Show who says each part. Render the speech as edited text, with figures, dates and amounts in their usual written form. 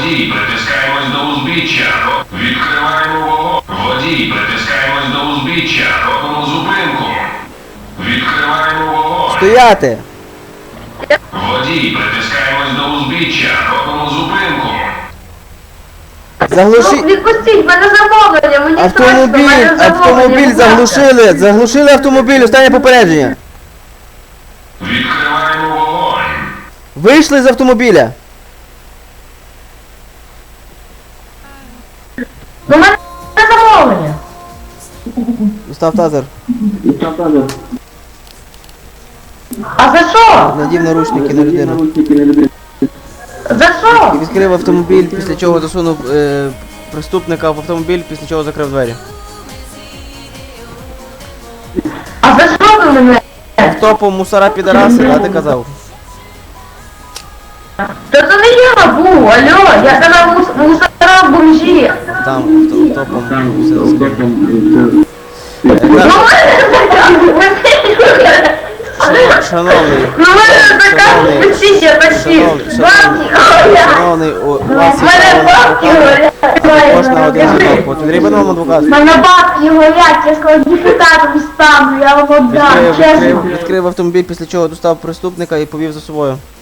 Speaker 1: Водій, притискаємось до узбіччя. Відкриваємо вогонь. Водій, притискаємось до узбіччя. Робимо зупинку. Відкриваємо вогонь.
Speaker 2: Стояти!
Speaker 1: Водій, притискаємось до узбіччя. Робимо зупинку.
Speaker 2: Заглуши...
Speaker 3: Відпустіть, в мене замовлення, мені страшно, в
Speaker 2: Автомобіль!
Speaker 3: мене замовлення,
Speaker 2: Автомобіль
Speaker 3: будь ласка.
Speaker 2: заглушили! Заглушили автомобіль! Останнє попередження!
Speaker 1: Відкриваємо вогонь.
Speaker 2: Вийшли з автомобіля!
Speaker 3: Ну, в мене замовлення.
Speaker 2: Достав тазер.
Speaker 3: А за що?
Speaker 2: Надів наручники на людину.
Speaker 3: За що?
Speaker 2: І відкрив автомобіль, після чого засунув преступника в автомобіль, після чого закрив двері.
Speaker 3: А за що ви мене?
Speaker 2: Автопом мусора підараси, а ти казав.
Speaker 3: Та це не я був, алло, я казав мусора бомжі.
Speaker 2: Там автопом все розкрив.
Speaker 3: Ну,
Speaker 2: Шановний,
Speaker 3: ну, мене така печіся, почти. Бабки говорять.
Speaker 2: шановний, у
Speaker 3: У
Speaker 2: вас є
Speaker 3: мене бабки
Speaker 2: право
Speaker 3: говорять.
Speaker 2: також на один дзвінок. Потрібен вам адвокат?
Speaker 3: У мене бабки говорять, я сказав, депутатом стану, я вам отдам, чесно.
Speaker 2: Відкрив автомобіль, після чого достав преступника і повів за собою.